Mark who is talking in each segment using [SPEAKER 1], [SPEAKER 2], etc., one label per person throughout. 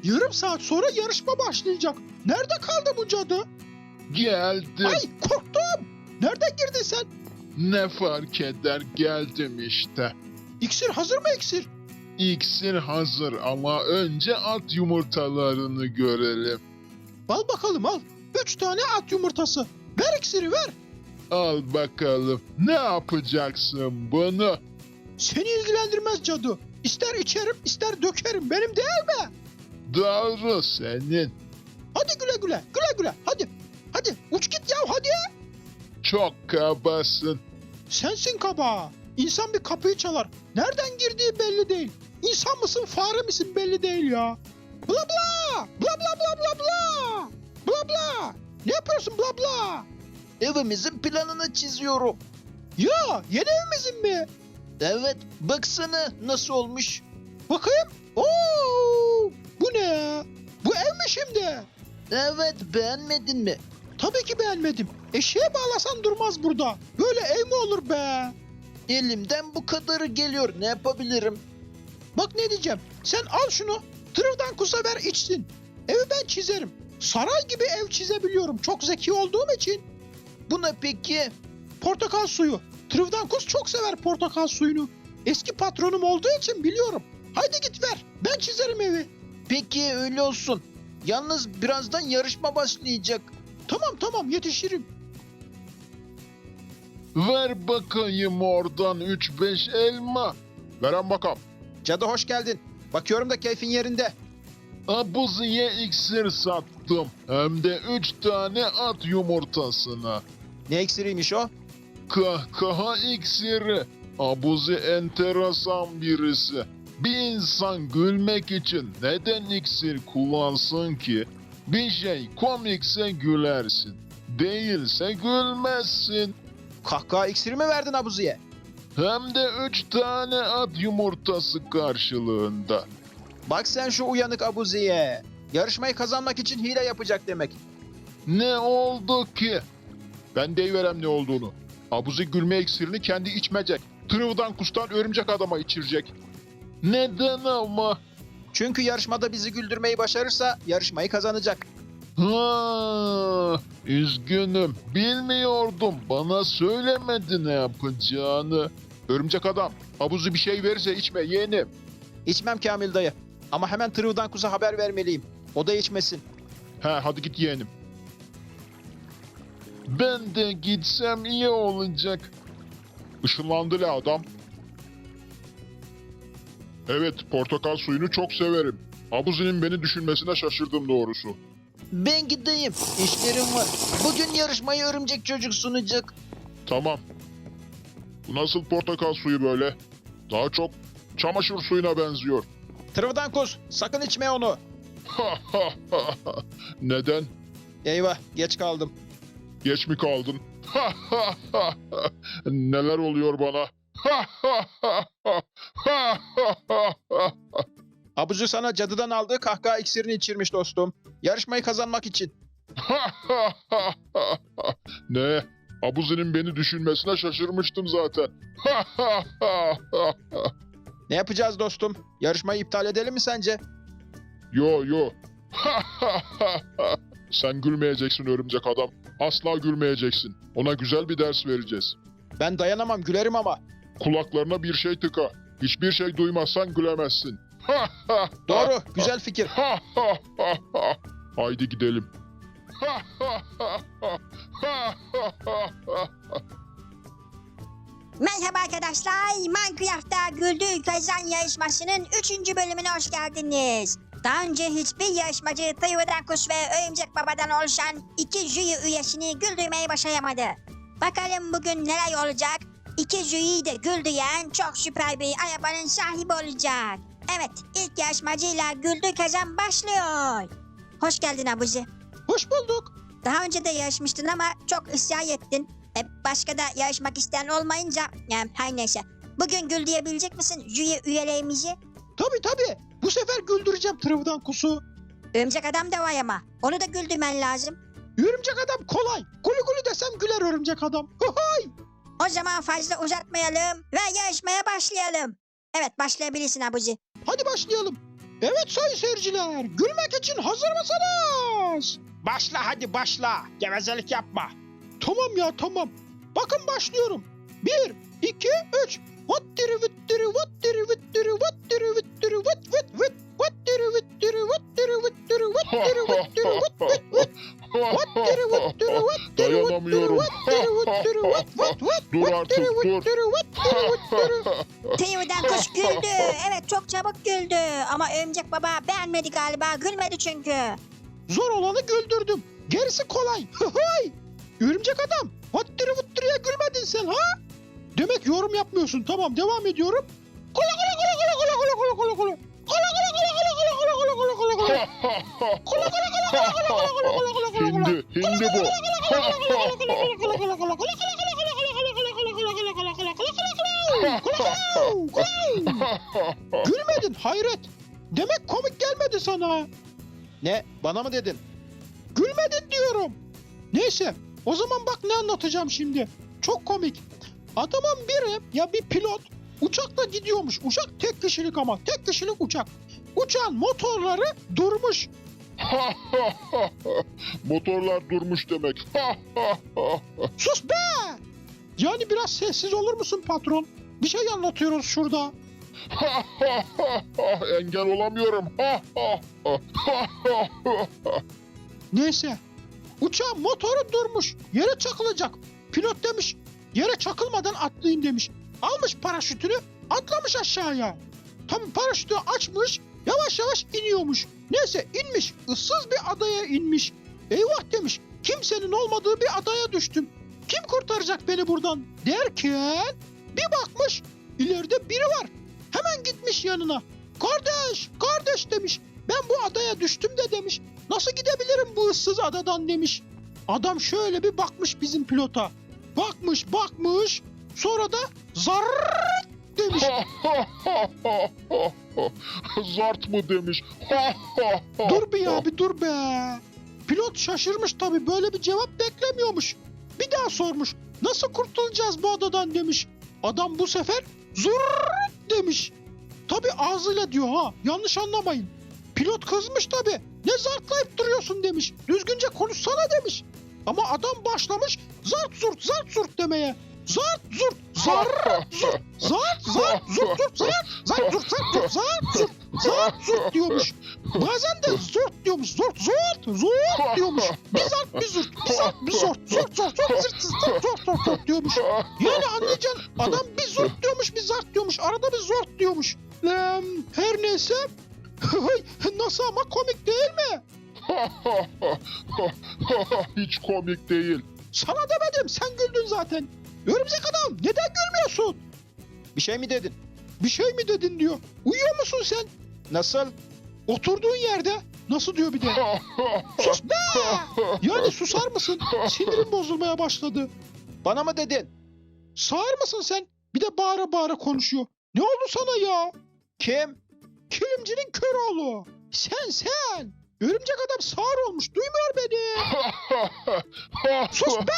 [SPEAKER 1] Yarım saat sonra yarışma başlayacak. Nerede kaldı bu cadı?
[SPEAKER 2] Geldim.
[SPEAKER 1] Ay korktum. Nereden girdin sen?
[SPEAKER 2] Ne fark eder, geldim işte.
[SPEAKER 1] İksir hazır mı iksir?
[SPEAKER 2] İksir hazır ama önce at yumurtalarını görelim.
[SPEAKER 1] Al bakalım al. 3 tane at yumurtası. Ver iksiri ver.
[SPEAKER 2] Al bakalım. Ne yapacaksın bunu?
[SPEAKER 1] Seni ilgilendirmez cadı. İster içerim ister dökerim. Benim değil mi?
[SPEAKER 2] Doğru senin.
[SPEAKER 1] Hadi güle güle. Güle güle. Hadi. Hadi uç git ya hadi.
[SPEAKER 2] Çok kabasın.
[SPEAKER 1] Sensin kaba. İnsan bir kapıyı çalar. Nereden girdiği belli değil. İnsan mısın fare misin belli değil ya. Bla bla. Bla bla bla bla bla. Bla bla. Ne yapıyorsun bla bla?
[SPEAKER 3] Evimizin planını çiziyorum.
[SPEAKER 1] Ya yeni evimizin mi?
[SPEAKER 3] Evet, baksana nasıl olmuş.
[SPEAKER 1] Bakayım. Oo, bu ne ya? Bu ev mi şimdi?
[SPEAKER 3] Evet, beğenmedin mi?
[SPEAKER 1] Tabii ki beğenmedim. Eşeğe bağlasan durmaz burada. Böyle ev mi olur be?
[SPEAKER 3] Elimden bu kadarı geliyor. Ne yapabilirim?
[SPEAKER 1] Bak ne diyeceğim. Sen al şunu. Tırıvdan kusa ver içsin. Evi ben çizerim. Saray gibi ev çizebiliyorum. Çok zeki olduğum için.
[SPEAKER 3] Bu ne peki?
[SPEAKER 1] Portakal suyu. Tırıvdan kus çok sever portakal suyunu. Eski patronum olduğu için biliyorum. Haydi git ver. Ben çizerim evi.
[SPEAKER 3] Peki öyle olsun. Yalnız birazdan yarışma başlayacak.
[SPEAKER 1] Tamam tamam yetişirim.
[SPEAKER 2] Ver bakayım oradan 3-5 elma. Veren bakalım.
[SPEAKER 1] Cadı hoş geldin. Bakıyorum da keyfin yerinde.
[SPEAKER 2] Abuzi'ye iksir sattım. Hem de 3 tane at yumurtasına.
[SPEAKER 1] Ne iksiriymiş o?
[SPEAKER 2] Kahkaha iksiri. Abuzi enteresan birisi. Bir insan gülmek için neden iksir kullansın ki? Bir şey komikse gülersin. Değilse gülmezsin.
[SPEAKER 1] Kahkaha iksiri mi verdin Abuzi'ye?
[SPEAKER 2] Hem de 3 tane at yumurtası karşılığında.
[SPEAKER 1] Bak sen şu uyanık Abuzi'ye. Yarışmayı kazanmak için hile yapacak demek.
[SPEAKER 2] Ne oldu ki? Ben deyiverem ne olduğunu. Abuzi gülme iksirini kendi içmeyecek. Tırıvdan kustan örümcek adama içirecek. Neden ama?
[SPEAKER 1] Çünkü yarışmada bizi güldürmeyi başarırsa yarışmayı kazanacak.
[SPEAKER 2] Ha, üzgünüm. Bilmiyordum. Bana söylemedi ne yapacağını. Örümcek adam, Abuzi bir şey verirse içme yeğenim.
[SPEAKER 1] İçmem Kamil dayı. Ama hemen Tırıvdan Kuz'a haber vermeliyim. O da içmesin.
[SPEAKER 2] He hadi git yeğenim. Ben de gitsem iyi olacak. Işınlandı la adam. Evet, portakal suyunu çok severim. Abuzi'nin beni düşünmesine şaşırdım doğrusu.
[SPEAKER 3] Ben gideyim. İşlerim var. Bugün yarışmayı örümcek çocuk sunacak.
[SPEAKER 2] Tamam. Bu nasıl portakal suyu böyle? Daha çok çamaşır suyuna benziyor.
[SPEAKER 1] Tırıvdan Kuz sakın içme onu.
[SPEAKER 2] Neden?
[SPEAKER 1] Eyvah geç kaldım.
[SPEAKER 2] Geç mi kaldın? Neler oluyor bana?
[SPEAKER 1] Abuzi sana cadıdan aldığı kahkaha iksirini içirmiş dostum. Yarışmayı kazanmak için.
[SPEAKER 2] Ne? Abuzi'nin beni düşünmesine şaşırmıştım zaten.
[SPEAKER 1] Ne yapacağız dostum? Yarışmayı iptal edelim mi sence?
[SPEAKER 2] Yo yo. Sen gülmeyeceksin örümcek adam. Asla gülmeyeceksin. Ona güzel bir ders vereceğiz.
[SPEAKER 1] Ben dayanamam gülerim ama.
[SPEAKER 2] Kulaklarına bir şey tıka. Hiçbir şey duymazsan gülemezsin.
[SPEAKER 1] Doğru güzel fikir.
[SPEAKER 2] Haydi gidelim.
[SPEAKER 4] Merhaba arkadaşlar, Minecraft'ta Güldür Kazan yarışmasının 3. bölümüne hoş geldiniz. Daha önce hiçbir yarışmacı Tıyvıdan Kuş ve Örümcek Baba'dan oluşan 2 jüri üyesini güldürmeyi başaramadı. Bakalım bugün neler olacak? 2 jüriyi de güldüren çok süper bir arabanın sahibi olacak. Evet, ilk yarışmacıyla Güldür Kazan başlıyor. Hoş geldin Abuzi.
[SPEAKER 1] Hoş bulduk.
[SPEAKER 4] Daha önce de yarışmıştın ama çok ısrar ettin. Başka da yarışmak isteyen olmayınca her neyse. Bugün gül diyebilecek misin jüri üyelerimizi?
[SPEAKER 1] Tabii. Bu sefer güldüreceğim Tırıvdan Kuz'u.
[SPEAKER 4] Örümcek adam da var ama. Onu da güldürmen lazım.
[SPEAKER 1] Örümcek adam kolay. Gülü gülü desem güler örümcek adam. Hay.
[SPEAKER 4] O zaman fazla uzatmayalım ve yarışmaya başlayalım. Evet başlayabilirsin Abuzi.
[SPEAKER 1] Hadi başlayalım. Evet sayın seyirciler, gülmek için hazır mısınız?
[SPEAKER 5] Başla hadi başla. Gevezelik yapma.
[SPEAKER 1] Tamam ya tamam. Bakın başlıyorum. 1, 2, 3. Vattiri vittiri vattiri vittiri vattiri vittiri vat vit vit. Vattiri vittiri vattiri vittiri vattiri vittiri vat vit vit. Vattiri vittiri vattiri vittiri
[SPEAKER 2] Dayanamıyorum.
[SPEAKER 1] vattiri vittiri vat vat vat.
[SPEAKER 2] Dur artık,
[SPEAKER 1] Vattiri
[SPEAKER 2] dur.
[SPEAKER 1] vittiri vattiri vittiri.
[SPEAKER 4] Tıyıdan kuş güldü. Evet çok çabuk güldü. Ama Örümcek Baba beğenmedi galiba. Gülmedi çünkü.
[SPEAKER 1] Zor olanı güldürdüm. Gerisi kolay. Hıhıy. Örümcek adam. Vattiri vittiriye gülmedin sen ha? Demek yorum yapmıyorsun. Tamam devam ediyorum. Kola kola kola kola kola kola kola kola kola. Kola kola kola kola kola kola kola kola kola kola. Kola kola kola kola kola kola kola kola kola kola.
[SPEAKER 2] Hindi bu.
[SPEAKER 1] Gülmedin hayret. Demek komik gelmedi sana.
[SPEAKER 3] Ne? Bana mı dedin?
[SPEAKER 1] Gülmedin diyorum. Neyse o zaman bak ne anlatacağım şimdi. Çok komik. Adamın biri ya bir pilot uçakla gidiyormuş. Uçak tek kişilik ama tek kişilik uçak. Uçağın motorları durmuş.
[SPEAKER 2] Motorlar durmuş demek.
[SPEAKER 1] Sus be! Yani biraz sessiz olur musun patron? Bir şey anlatıyoruz şurada.
[SPEAKER 2] Engel olamıyorum.
[SPEAKER 1] Neyse. Uçağın motoru durmuş. Yere çakılacak. Pilot demiş. Yere çakılmadan atlayayım demiş. Almış paraşütünü atlamış aşağıya. Tabii paraşütü açmış. Yavaş yavaş iniyormuş. Neyse inmiş. Issız bir adaya inmiş. Eyvah demiş. Kimsenin olmadığı bir adaya düştüm. Kim kurtaracak beni buradan derken bir bakmış ileride biri var. Hemen gitmiş yanına. Kardeş, kardeş demiş. Ben bu adaya düştüm de demiş. Nasıl gidebilirim bu ıssız adadan demiş. Adam şöyle bir bakmış bizim pilota. Bakmış. Sonra da zarrrt demiş.
[SPEAKER 2] Zart mı demiş.
[SPEAKER 1] Dur bir ya bir dur be. Pilot şaşırmış tabii böyle bir cevap beklemiyormuş. Bir daha sormuş. Nasıl kurtulacağız bu adadan demiş. Adam bu sefer zurrrt demiş. Tabii ağzıyla diyor ha yanlış anlamayın. Pilot kızmış tabii. Ne zartlayıp duruyorsun demiş. Düzgünce konuşsana demiş. Ama adam başlamış zart zurt demeye. Zart zurt zart zurt zart zart zurt zurt zart zart zurt zart zurt zart zurt diyormuş. Bazen de zort diyormuş. Zort diyormuş. Bir zart bir zurt bir zart bir zort zort zort zort diyormuş. Yani anlayacaksın adam bir zort diyormuş bir zart diyormuş. Arada bir zort diyormuş. Her neyse. Nasıl ama komik değil mi?
[SPEAKER 2] Hiç komik değil.
[SPEAKER 1] Sana demedim sen güldün zaten. Örümcek adam neden gülmüyorsun?
[SPEAKER 3] Bir şey mi dedin?
[SPEAKER 1] Bir şey mi dedin diyor. Uyuyor musun sen?
[SPEAKER 3] Nasıl?
[SPEAKER 1] Oturduğun yerde. Nasıl diyor bir de. Sus be! Yani susar mısın? Sinirim bozulmaya başladı.
[SPEAKER 3] Bana mı dedin?
[SPEAKER 1] Sağır mısın sen? Bir de bağıra bağıra konuşuyor. Ne oldu sana ya?
[SPEAKER 3] Kim?
[SPEAKER 1] Kilimcinin kör oğlu. Sen. Örümcek adam sağır olmuş. Duymuyor beni. Sus be!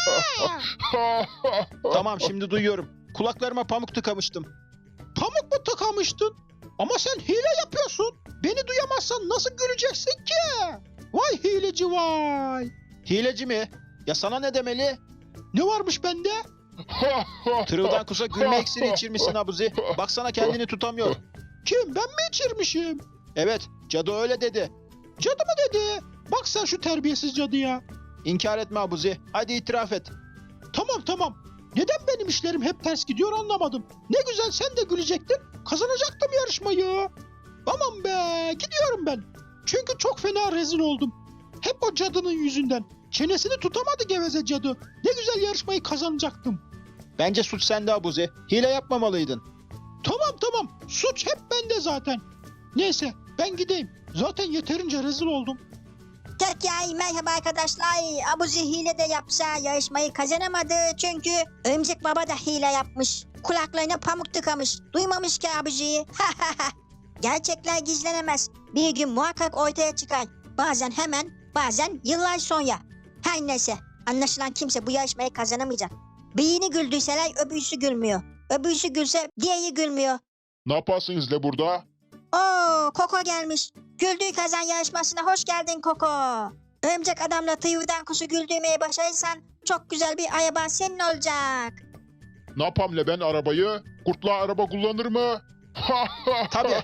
[SPEAKER 3] Tamam şimdi duyuyorum. Kulaklarıma pamuk tıkamıştım.
[SPEAKER 1] Pamuk mu tıkamıştın? Ama sen hile yapıyorsun. Beni duyamazsan nasıl güleceksin ki? Vay hileci vay.
[SPEAKER 3] Hileci mi? Ya sana ne demeli?
[SPEAKER 1] Ne varmış bende?
[SPEAKER 3] Tırıldan kusa gülme iksiri içirmişsin Abuzi. Baksana kendini tutamıyor.
[SPEAKER 1] Kim ben mi içirmişim?
[SPEAKER 3] Evet, cadı öyle dedi.
[SPEAKER 1] Cadı mı dedi? Bak sen şu terbiyesiz cadıya.
[SPEAKER 3] İnkar etme Abuzi. Hadi itiraf et.
[SPEAKER 1] Tamam. Neden benim işlerim hep ters gidiyor anlamadım. Ne güzel sen de gülecektin. Kazanacaktım yarışmayı. Aman be gidiyorum ben. Çünkü çok fena rezil oldum. Hep o cadının yüzünden. Çenesini tutamadı geveze cadı. Ne güzel yarışmayı kazanacaktım.
[SPEAKER 3] Bence suç sende Abuzi. Hile yapmamalıydın.
[SPEAKER 1] Tamam. Suç hep bende zaten. Neyse ben gideyim. Zaten yeterince rezil oldum.
[SPEAKER 4] Türkiye merhaba arkadaşlar. Abuzi hile de yapsa yarışmayı kazanamadı. Çünkü Örümcek Baba da hile yapmış. Kulaklarına pamuk tıkamış. Duymamış ki Abuzi'yi. Gerçekler gizlenemez. Bir gün muhakkak ortaya çıkar. Bazen hemen, bazen yıllar sonra. Her neyse. Anlaşılan kimse bu yarışmayı kazanamayacak. Birini güldüyseler öbürsü gülmüyor. Öbürsü gülse diğeri gülmüyor.
[SPEAKER 2] Ne yaparsınız le burada?
[SPEAKER 4] Oo, Koko gelmiş. Güldüğü kazan yarışmasına hoş geldin Koko. Örümcek adamla tıyırdan kuşu güldürmeye başarırsan çok güzel bir araba senin olacak.
[SPEAKER 2] Ne yapam le ben arabayı? Kurtla araba kullanır mı?
[SPEAKER 5] Tabii.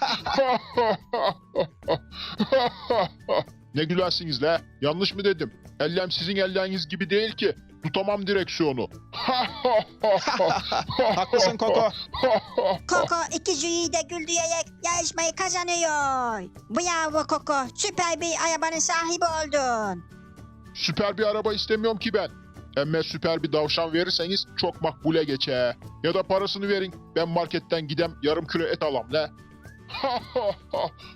[SPEAKER 2] Ne gülensiniz le? Yanlış mı dedim? Ellem sizin elleriniz gibi değil ki. Tutamam direksiyonu.
[SPEAKER 5] Haklısın Koko.
[SPEAKER 4] Koko iki jüriyi de güldürerek yarışmayı kazanıyor. Bravo Koko, süper bir arabanın sahibi oldun.
[SPEAKER 2] Süper bir araba istemiyorum ki ben. Emme süper bir davşan verirseniz çok makbule geçe. Ya da parasını verin. Ben marketten gidem yarım kilo et alam le.